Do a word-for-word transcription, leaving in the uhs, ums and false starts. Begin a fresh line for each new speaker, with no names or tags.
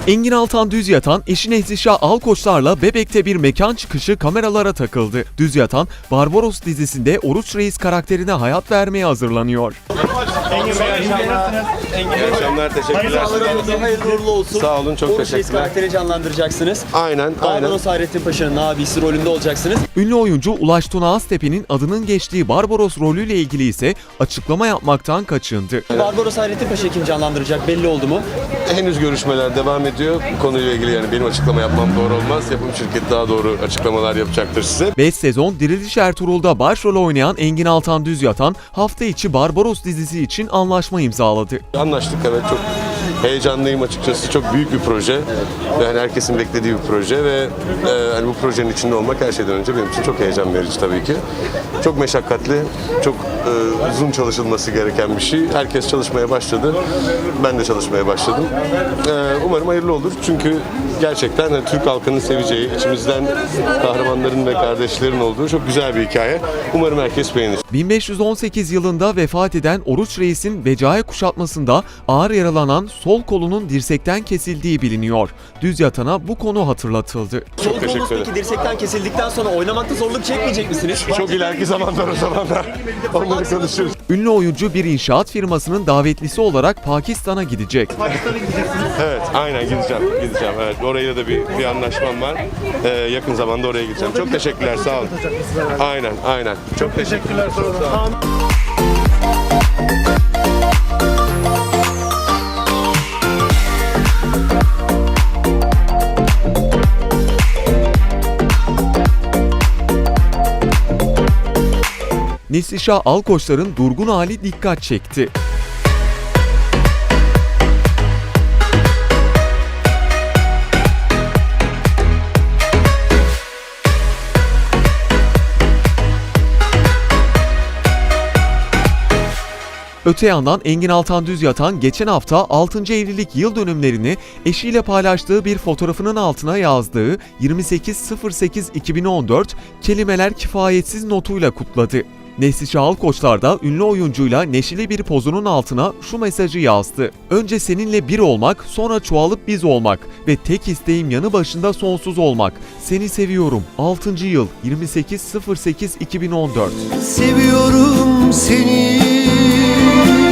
Engin Altan Düzyatan, eşi Neslişah Alkoçlar'la Bebek'te bir mekan çıkışı kameralara takıldı. Düzyatan, Barbaros dizisinde Oruç Reis karakterine hayat vermeye hazırlanıyor.
Engin Bey,
İyi akşamlar, teşekkürler.
hayırlı uğurlu olsun.
Sağ olun, çok
Oruç Reis
teşekkürler.
karakteri canlandıracaksınız.
Aynen, aynen.
Barbaros Hayrettin Paşa'nın abisi rolünde olacaksınız.
Ünlü oyuncu Ulaş Tuna Aztepe'nin adının geçtiği Barbaros rolüyle ilgili ise açıklama yapmaktan kaçındı.
Barbaros Hayrettin Paşa kim canlandıracak belli oldu mu?
Henüz görüşmeler devam ediyor. Bu konuyla ilgili yani benim açıklama yapmam doğru olmaz. Yapım şirketi daha doğru açıklamalar yapacaktır size.
beş sezon Diriliş Ertuğrul'da başrol oynayan Engin Altan Düzyatan, hafta içi Barbaros dizisi için anlaşma imzaladı.
Anlaştık, evet, çok heyecanlıyım açıkçası. Çok büyük bir proje. Ve hani herkesin beklediği bir proje ve e, hani bu projenin içinde olmak her şeyden önce benim için çok heyecan verici tabii ki. Çok meşakkatli, çok e, uzun çalışılması gereken bir şey. Herkes çalışmaya başladı. Ben de çalışmaya başladım. E, umarım hayırlı olur. Çünkü gerçekten hani Türk halkının seveceği, içimizden kahramanların ve kardeşlerin olduğu çok güzel bir hikaye. Umarım herkes beğenir.
bin beş yüz on sekiz yılında vefat eden Oruç Reis'in Becai kuşatmasında ağır yaralanan sol kolunun dirsekten kesildiği biliniyor. Düzyatan'a bu konu hatırlatıldı.
Sol kolunuz
teşekkür ederim.
peki dirsekten kesildikten sonra oynamakta zorluk çekmeyecek misiniz?
Çok ileriki zamanlar o zamanlar. Onları konuşuruz.
Ünlü oyuncu bir inşaat firmasının davetlisi olarak Pakistan'a gidecek.
Evet, aynen gideceğim. Gideceğim. Evet, orayla da bir, bir anlaşmam var. Ee, yakın zamanda oraya gideceğim. Çok teşekkürler, sağ olun. Aynen, aynen. Çok teşekkürler. Çok sağ olun.
Neslişah Alkoçlar'ın durgun hali dikkat çekti. Öte yandan Engin Altan Düzyatan geçen hafta altıncı evlilik yıl dönümlerini eşiyle paylaştığı bir fotoğrafının altına yazdığı yirmi sekiz sıfır sekiz iki bin on dört kelimeler kifayetsiz notuyla kutladı. Neslişah Alkoçlar da ünlü oyuncuyla neşeli bir pozunun altına şu mesajı yazdı. Önce seninle bir olmak, sonra çoğalıp biz olmak ve tek isteğim yanı başında sonsuz olmak. Seni seviyorum. altıncı yıl yirmi sekiz sıfır sekiz iki bin on dört.
Seviyorum seni.